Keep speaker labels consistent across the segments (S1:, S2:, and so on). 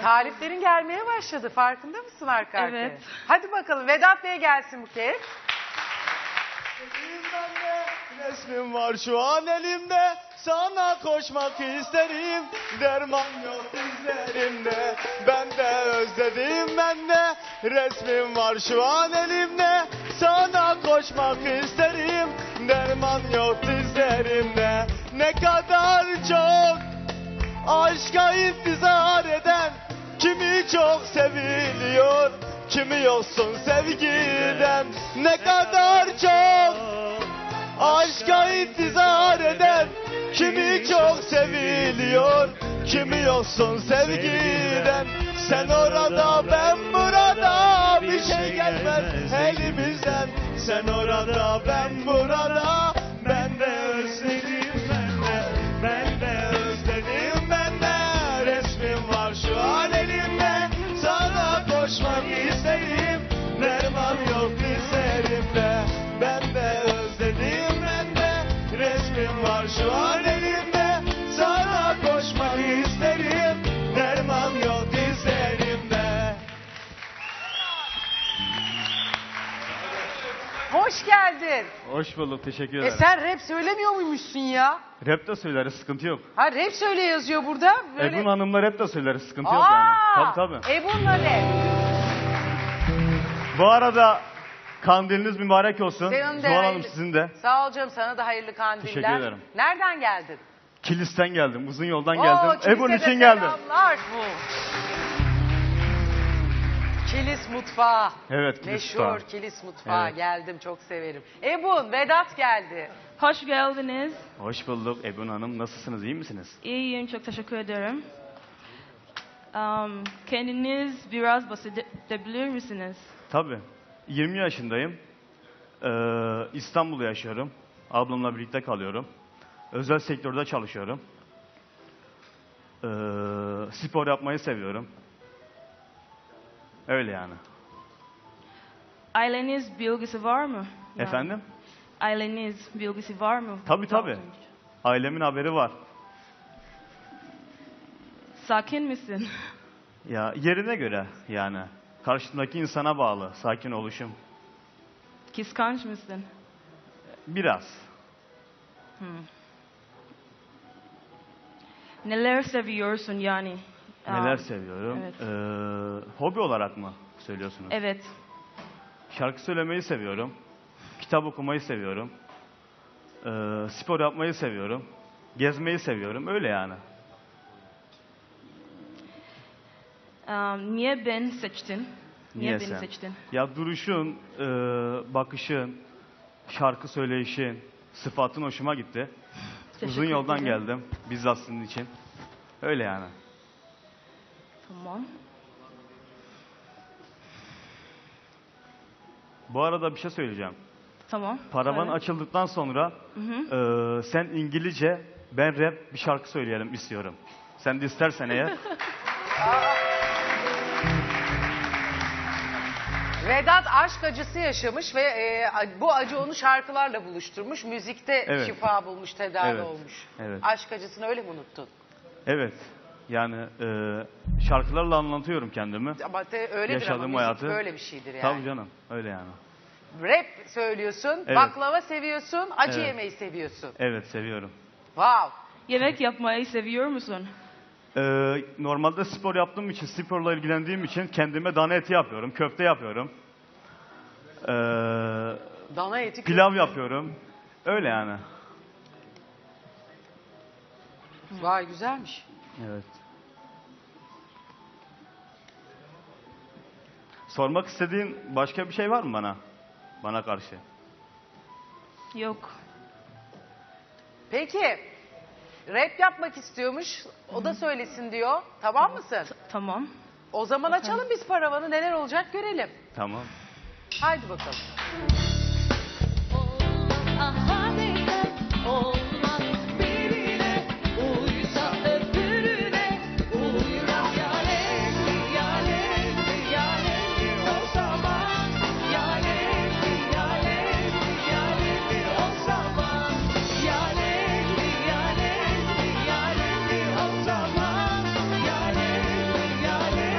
S1: Taliplerin gelmeye başladı. Farkında mısın arka arkaya?
S2: Evet.
S1: Hadi bakalım Vedat Bey gelsin bu kez.
S3: Resmin var şu an elimde, sana koşmak isterim. Derman yok dizlerimde, ben de özledim ben de. Resmin var şu an elimde, sana koşmak isterim. Derman yok dizlerimde, ne kadar çok aşka intizar eden. Kimi çok seviliyor, kimi yoksun sevgiden. Ne kadar çok aşka intizar eden. Kimi çok seviliyor, kimi yoksun sevgiden. Sen orada ben burada, bir şey gelmez elimizden. Sen orada ben burada, ben de özledim ben de özledim ben de. Resmin var şu an elimde, sana koşmak isterim. Derman yok dizlerimde, ben de özledim ben de. Resmin var şu an elimde, sana koşmak isterim. Derman yok dizlerimde.
S1: Hoş geldin.
S3: Hoş bulduk, teşekkür ederim.
S1: Sen rap söylemiyor muymuşsun ya?
S3: Rap de söyleriz, sıkıntı yok.
S1: Ha rap söyle yazıyor burada. Böyle...
S3: Ebun Hanım'la rap de söyleriz, sıkıntı yok yani. Tabii.
S1: Ebun'la ne?
S3: Bu arada kandiliniz mübarek olsun.
S1: Senin de
S3: Zuhal Hanım
S1: hayırlı-
S3: sizin de.
S1: Sağ ol canım, sana da hayırlı kandiller.
S3: Teşekkür ederim.
S1: Nereden geldin?
S3: Kilis'ten geldim, uzun yoldan
S1: Oo,
S3: geldim. Ebun
S1: Kilis'e de
S3: için geldim.
S1: selamlar. Kilis mutfağı.
S3: Evet, Kilis
S1: Meşhur
S3: mutfağı.
S1: Kilis mutfağı.
S3: Evet.
S1: Geldim, çok severim. Ebun, Vedat geldi.
S2: Hoş geldiniz.
S3: Hoş bulduk Ebun Hanım. Nasılsınız, iyi misiniz?
S2: İyiyim, çok teşekkür ederim. Kendiniz biraz bahsedebilir misiniz?
S3: Tabii. 20 yaşındayım. İstanbul'da yaşıyorum. Ablamla birlikte kalıyorum. Özel sektörde çalışıyorum. Spor yapmayı seviyorum. Öyle yani.
S2: Aileniz bilgisi var mı? Yani,
S3: Efendim?
S2: Aileniz bilgisi var mı?
S3: Tabii. Ailemin haberi var.
S2: Sakin misin?
S3: Ya yerine göre yani. Karşımdaki insana bağlı. Sakin oluşum.
S2: Kıskanç mısın?
S3: Biraz.
S2: Neler seviyorsun yani?
S3: Neler seviyorum?
S2: Evet.
S3: Hobi olarak mı söylüyorsunuz?
S2: Evet.
S3: Şarkı söylemeyi seviyorum. Kitap okumayı seviyorum. Spor yapmayı seviyorum. Gezmeyi seviyorum. Öyle yani.
S2: Niye ben seçtin? Niye beni
S3: sen?
S2: seçtin?
S3: Ya duruşun, bakışın, şarkı söyleyişin, sıfatın hoşuma gitti. Uzun
S2: Teşekkür
S3: yoldan
S2: ederim.
S3: geldim. Bizzat sizin için. Öyle yani.
S2: Tamam.
S3: Bu arada bir şey söyleyeceğim.
S2: Tamam.
S3: Paravan
S2: söyle.
S3: açıldıktan sonra sen İngilizce, ben rap bir şarkı söyleyelim istiyorum. Sen de istersen eğer.
S1: Vedat aşk acısı yaşamış ve bu acı onu şarkılarla buluşturmuş. Müzikte
S3: Evet.
S1: şifa bulmuş, tedavi
S3: Evet.
S1: olmuş.
S3: Evet.
S1: Aşk acısını öyle mi unuttun?
S3: Evet. Yani şarkılarla anlatıyorum kendimi.
S1: Ama öyledir
S3: Yaşadığım
S1: ama müzik
S3: hayatı.
S1: böyle bir şeydir yani.
S3: Tabii canım. Öyle yani.
S1: Rap söylüyorsun,
S3: Evet.
S1: baklava seviyorsun, acı
S3: Evet.
S1: yemeyi seviyorsun.
S3: Evet, seviyorum.
S1: Wow.
S2: Yemek yapmayı seviyor musun?
S3: Normalde spor yaptığım için, sporla ilgilendiğim için kendime dana eti yapıyorum, köfte yapıyorum.
S1: Dana eti.
S3: Pilav yapıyorum. Öyle yani.
S1: Vay güzelmiş.
S3: Evet. Sormak istediğin başka bir şey var mı bana? Bana karşı.
S2: Yok.
S1: Peki. Rap yapmak istiyormuş. O da söylesin diyor. Tamam mısın?
S2: Tamam.
S1: O zaman açalım biz paravanı. Neler olacak görelim.
S3: Tamam.
S1: Haydi bakalım.
S4: Olmaz birine uysa öbürüne uyuran yaleli yaleli yaleli o zaman yaleli yaleli yaleli o zaman yaleli yaleli yaleli o zaman yaleli yaleli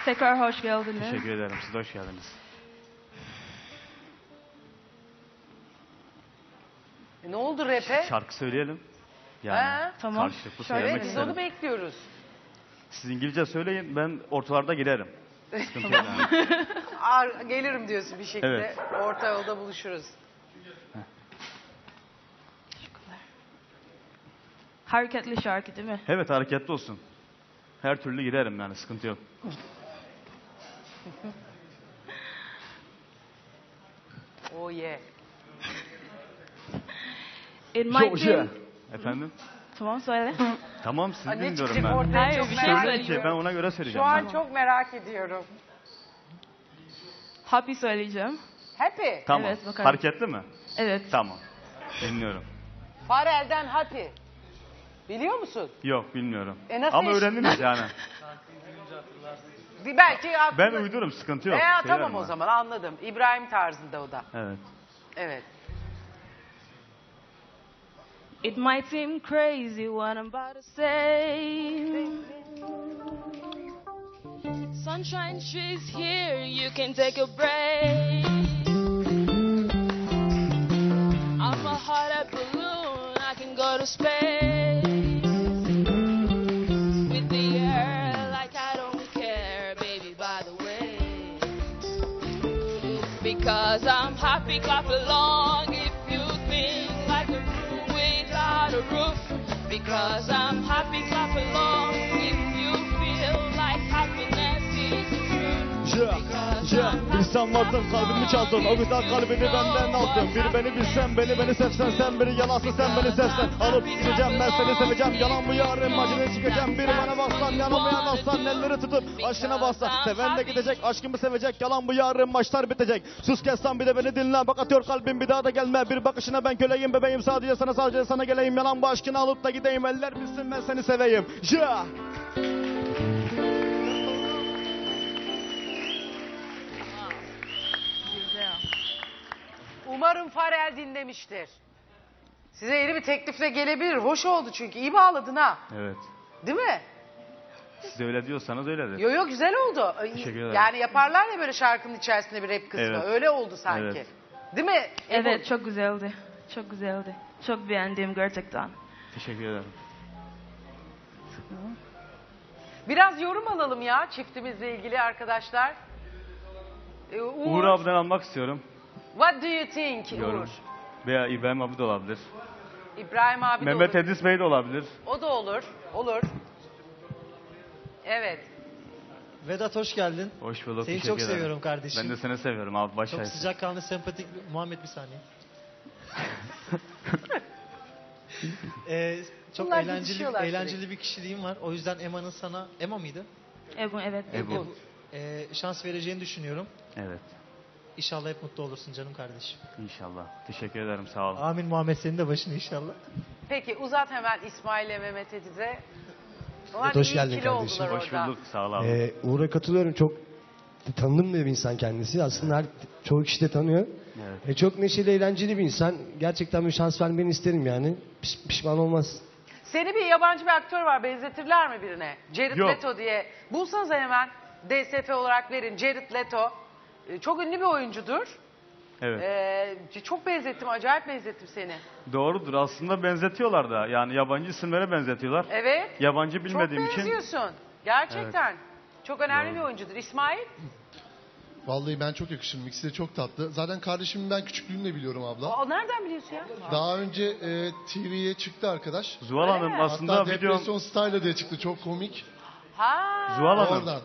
S2: Tekrar hoş geldiniz.
S3: Teşekkür ederim. Siz de hoş geldiniz.
S1: Ne oldu rap'e?
S3: Şarkı söyleyelim. Yani
S1: Ha,
S2: tamam.
S3: karşılıklı
S2: Şöyle
S3: söylemek
S1: Evet, biz
S3: isterim.
S1: onu bekliyoruz.
S3: Siz İngilizce söyleyin, ben ortalarda girerim. Sıkıntı yok yani.
S1: Gelirim diyorsun bir şekilde.
S3: Evet.
S1: Orta yolda buluşuruz.
S2: Teşekkürler. Hareketli şarkı değil mi?
S3: Evet, hareketli olsun. Her türlü girerim yani, sıkıntı yok.
S1: Oh yeah.
S2: It might be...
S3: Efendim?
S2: Tamam söyle.
S3: Tamam, siz
S1: Aa, ne
S3: dinliyorum
S1: çıkacak
S3: ben.
S1: ortaya
S2: Hayır,
S1: çok
S2: bir şey
S1: merak
S2: söyleyeyim.
S3: Ki ben
S1: ediyorum.
S3: ona göre
S1: Şu
S3: söyleyeceğim.
S1: an
S3: ben.
S1: çok merak ediyorum.
S2: Happy söyleyeceğim.
S1: Happy.
S3: Tamam.
S2: Evet, bakalım.
S3: Hareketli mi?
S2: Evet.
S3: Tamam. Dinliyorum.
S1: Farel'den Happy. Biliyor musun?
S3: Yok, bilmiyorum.
S1: Nasıl
S3: Ama
S1: iş-
S3: öğrendiniz yani.
S1: Belki aklına...
S3: Ben uydururum, sıkıntı yok.
S1: Tamam
S3: Söylerim
S1: o
S3: ben.
S1: zaman anladım. İbrahim tarzında o da.
S3: Evet.
S1: Evet.
S2: It might seem crazy what I'm about to say. Sunshine, she's here, you can take a break. I'm a hot air balloon, I can go to space. With the air, like I don't care, baby, by the way. Because I'm happy, clap along if you think like a room without a roof. Because I'm happy, clap along if you feel like happiness is the truth.
S5: Bir sen vardın kalbimi çaldın, o güzel kalbini benden aldın. Bir beni bilsen, beni sevsen, sen biri yalansın, sen beni sevsen. Alıp gideceğim, ben seni seveceğim, yalan bu yarın acını çıkacağım. Biri bana baksan, yanıma yanaşsan, elleri tutup aşkına bassan. Seven de gidecek, aşkımı sevecek, yalan bu yarın maçlar bitecek. Sus kessan bir de beni dinle, bak atıyor kalbim bir daha da gelme. Bir bakışına ben köleyim bebeğim, sadece sana geleyim. Yalan bu aşkını alıp da gideyim, eller bilsin ben seni seveyim. Yeah.
S2: Güzel.
S1: Umarım Farel dinlemiştir. Size yeni bir teklifle gelebilir. Hoş oldu çünkü. İyi bağladın ha.
S3: Evet.
S1: Değil mi?
S3: Siz de öyle diyorsanız öyledir.
S1: Yo güzel oldu.
S3: Teşekkür ederim.
S1: Yani yaparlar ya böyle şarkının içerisinde bir rap kısmı.
S3: Evet.
S1: Öyle oldu sanki.
S3: Evet.
S1: Değil mi?
S2: Evet, çok güzeldi. Çok güzeldi. Çok beğendim gerçekten.
S3: Teşekkür ederim.
S1: Biraz yorum alalım ya çiftimizle ilgili arkadaşlar.
S3: Uğur abiden almak istiyorum.
S1: What do you think
S3: Yorum.
S1: Uğur?
S3: Veya İbrahim abi de olabilir.
S1: İbrahim abi de
S3: Mehmet
S1: olur.
S3: Edis Bey de olabilir.
S1: O da olur. Olur. Evet.
S6: Vedat hoş geldin.
S3: Hoş bulduk.
S6: Seni
S3: teşekkür
S6: çok
S3: ederim.
S6: seviyorum kardeşim.
S3: Ben de seni seviyorum abi. Baş
S6: Çok
S3: aysın.
S6: sıcakkanlı, sempatik Muhammed bir saniye. Çok
S1: Bunlar gidişiyorlar
S6: eğlenceli bir kişiliğim var. O yüzden Ema'nın sana, Ema mıydı?
S2: Ebu, evet.
S3: Ebu.
S6: Şans vereceğini düşünüyorum.
S3: Evet.
S6: İnşallah hep mutlu olursun canım kardeşim.
S3: İnşallah. Teşekkür ederim. Sağ olun.
S6: Amin Muhammed senin de başını inşallah.
S1: Peki uzat hemen İsmail ile Mehmet Ediz'e. Onlar
S7: Evet, hoş
S1: iyi
S7: geldin
S1: ikili
S7: kardeşim.
S1: oldular
S3: Hoş
S1: orada.
S3: bulduk. Sağ ol abi.
S7: Uğur'a katılıyorum. Çok tanıdığım bir insan kendisi. Aslında çoğu kişi de tanıyor.
S3: Evet.
S7: Çok neşeli, eğlenceli bir insan. Gerçekten bir şans vermeni isterim yani. Pişman olmaz.
S1: Seni bir yabancı bir aktör var. Benzetirler mi birine? Jared
S3: Yok.
S1: Leto diye. Bulsanıza hemen DSF olarak verin. Jared Leto. Çok ünlü bir oyuncudur.
S3: Evet.
S1: Çok benzettim. Acayip benzettim seni.
S3: Doğrudur. Aslında benzetiyorlar da. Yani yabancı isimlere benzetiyorlar.
S1: Evet.
S3: Yabancı
S1: Çok
S3: bilmediğim için.
S1: benziyorsun. Gerçekten. Çok önemli bir oyuncudur. İsmail?
S8: Vallahi ben çok yakışırım. İkisi de çok tatlı. Zaten kardeşimi ben küçüklüğümle biliyorum abla.
S1: Aa, nereden biliyorsun ya?
S8: Daha önce TV'ye çıktı arkadaş.
S3: Zuhal Hanım
S1: mi?
S3: aslında
S8: Hatta
S3: videom...
S8: Depresyon Style diye çıktı. Çok komik.
S1: Ha.
S3: Zuhal Hanım.
S8: Oradan.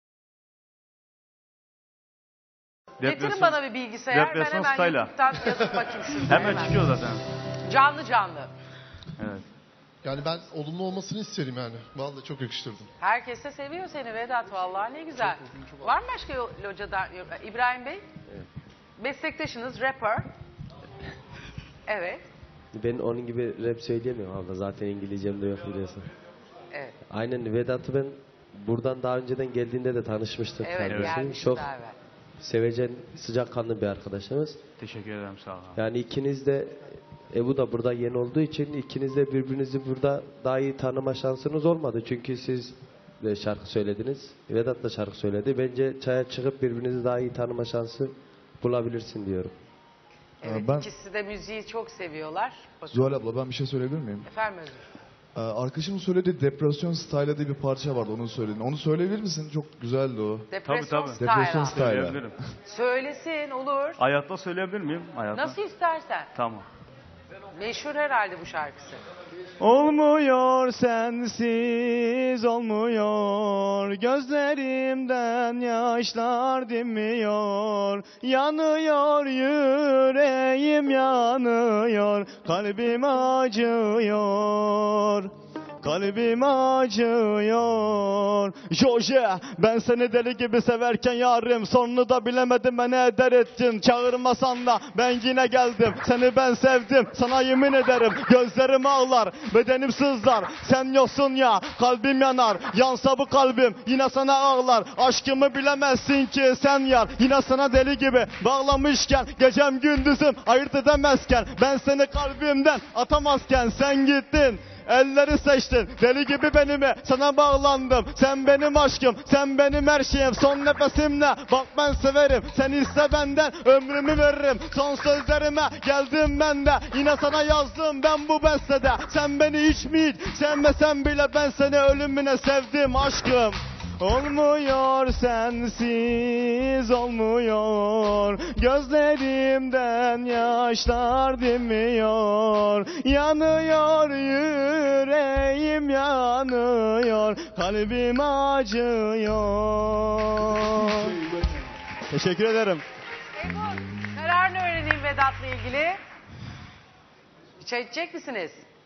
S1: Getirin bana bir bilgisayar. Ben
S3: Depresyon
S1: hemen
S3: Style'a.
S1: YouTube'dan yazıp bakayım şurada.
S3: Hemen çıkıyor zaten.
S1: Canlı canlı.
S3: Evet.
S8: Yani ben olumlu olmasını isterim yani. Vallahi çok yakıştırdım.
S1: Herkes de seviyor seni Vedat vallahi ne güzel. Var mı başka locadan? İbrahim Bey? Meslektaşınız rapper. Evet.
S9: Ben onun gibi rap söyleyemiyorum abla. Zaten İngilizcem de yok biliyorsun.
S1: Evet.
S9: Aynen Vedat'ı ben buradan daha önceden geldiğinde de tanışmıştık
S1: Evet
S9: kardeşim.
S1: gelmişti
S9: Çok
S1: daha evvel.
S9: sevecen, sıcakkanlı bir arkadaşımız.
S3: Teşekkür ederim. Sağ olun.
S9: Yani ikiniz de Ebu da burada yeni olduğu için ikiniz de birbirinizi burada daha iyi tanıma şansınız olmadı. Çünkü siz de şarkı söylediniz. Vedat da şarkı söyledi. Bence çaya çıkıp birbirinizi daha iyi tanıma şansı bulabilirsin diyorum.
S1: Evet,
S10: Ben-
S1: ikisi de müziği çok seviyorlar. Bakın.
S10: Zuhal abla ben bir şey söyleyebilir miyim?
S1: Efendim Özgür.
S10: Arkadaşımın söylediği Depresyon Style diye bir parça vardı onun söylediğini. Onu söyleyebilir misin? Çok güzeldi o.
S1: Depresyon
S3: tabii.
S1: Style.
S10: Depresyon
S1: abi.
S10: Style.
S3: Söyleyebilirim.
S1: Söylesin olur.
S3: Hayatta söyleyebilir miyim? Hayatta.
S1: Nasıl istersen.
S3: Tamam.
S1: Meşhur herhalde bu şarkısı.
S5: Olmuyor sensiz olmuyor, gözlerimden yaşlar dinmiyor, yanıyor yüreğim yanıyor, kalbim acıyor. Kalbim acıyor. Joje, ben seni deli gibi severken yarim, sonunu da bilemedim beni eder ettin. Çağırmasan da ben yine geldim. Seni ben sevdim, sana yemin ederim. Gözlerim ağlar, bedenim sızlar. Sen yoksun ya, kalbim yanar. Yansa bu kalbim, yine sana ağlar. Aşkımı bilemezsin ki sen yar. Yine sana deli gibi bağlamışken, gecem gündüzüm ayırt edemezken, ben seni kalbimden atamazken sen gittin. Elleri seçtin, deli gibi benime sana bağlandım. Sen benim aşkım, sen benim her şeyim. Son nefesimle bak ben severim. Sen iste benden ömrümü veririm. Son sözlerime geldim ben de, yine sana yazdım ben bu bestede. Sen beni hiç mi hiç sevmesen bile ben seni ölümüne sevdim aşkım. Olmuyor sensiz olmuyor, gözlerimden yaşlar dinmiyor, yanıyor yüreğim yanıyor, kalbim acıyor. Teşekkür ederim.
S1: Ebru, kararını öğreneyim Vedat'la ilgili. Bir çay içecek misiniz?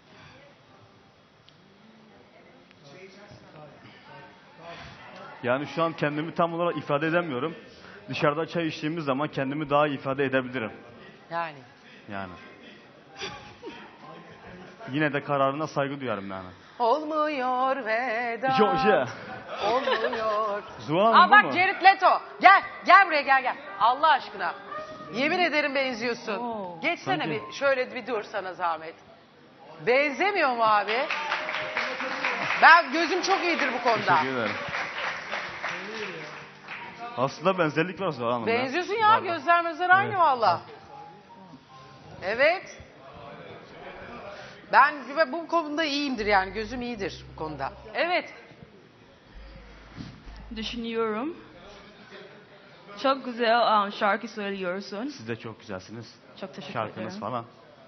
S3: Yani şu an kendimi tam olarak ifade edemiyorum. Dışarıda çay içtiğimiz zaman kendimi daha iyi ifade edebilirim.
S1: Yani.
S3: Yani. Yine de kararına saygı duyarım yani.
S1: Olmuyor Vedat.
S3: Joje.
S1: Olmuyor.
S3: Zuhal
S1: Aa
S3: Hanım bu
S1: bak
S3: mu?
S1: Jared Leto. Gel. Gel buraya gel. Allah aşkına. Yemin ederim benziyorsun. Geçsene
S3: Sanki-
S1: bir. Şöyle bir dur sana zahmet. Benzemiyor mu abi? Ben gözüm çok iyidir bu konuda.
S3: Teşekkür ederim. Aslında benzerlik var Zuhal Hanım.
S1: Benziyorsun ya.
S3: Var.
S1: Gözler mözler aynı
S3: Evet.
S1: valla. Evet. Ben bu konuda iyiyimdir yani. Gözüm iyidir bu konuda. Evet.
S2: Düşünüyorum. Çok güzel şarkı söylüyorsun.
S3: Siz de çok güzelsiniz.
S2: Çok teşekkür
S3: Şarkınız
S2: ederim.
S3: falan.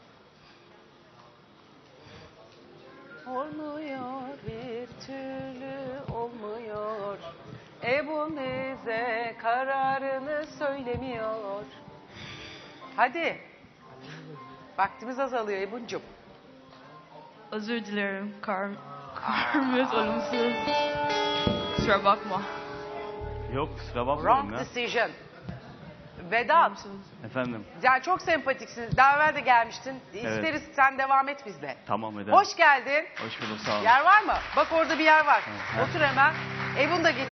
S1: Olmuyor bir türlü olmuyor. Ebu bize kararını söylemiyor. Hadi. Vaktimiz azalıyor Ebu'cum.
S2: Özür dilerim. Karmız olumsuz. Kusura bakma.
S3: Yok kusura bakmayın
S1: Wrong
S3: ya.
S1: decision. Vedat.
S3: Efendim.
S1: Yani çok sempatiksiniz. Daha evvel de gelmiştin. İsteriz sen devam et bizle.
S3: Tamam ederim.
S1: Hoş geldin.
S3: Hoş bulduk sağ olun.
S1: Yer var mı? Bak orada bir yer var.
S3: Evet.
S1: Otur hemen. Ebun da geç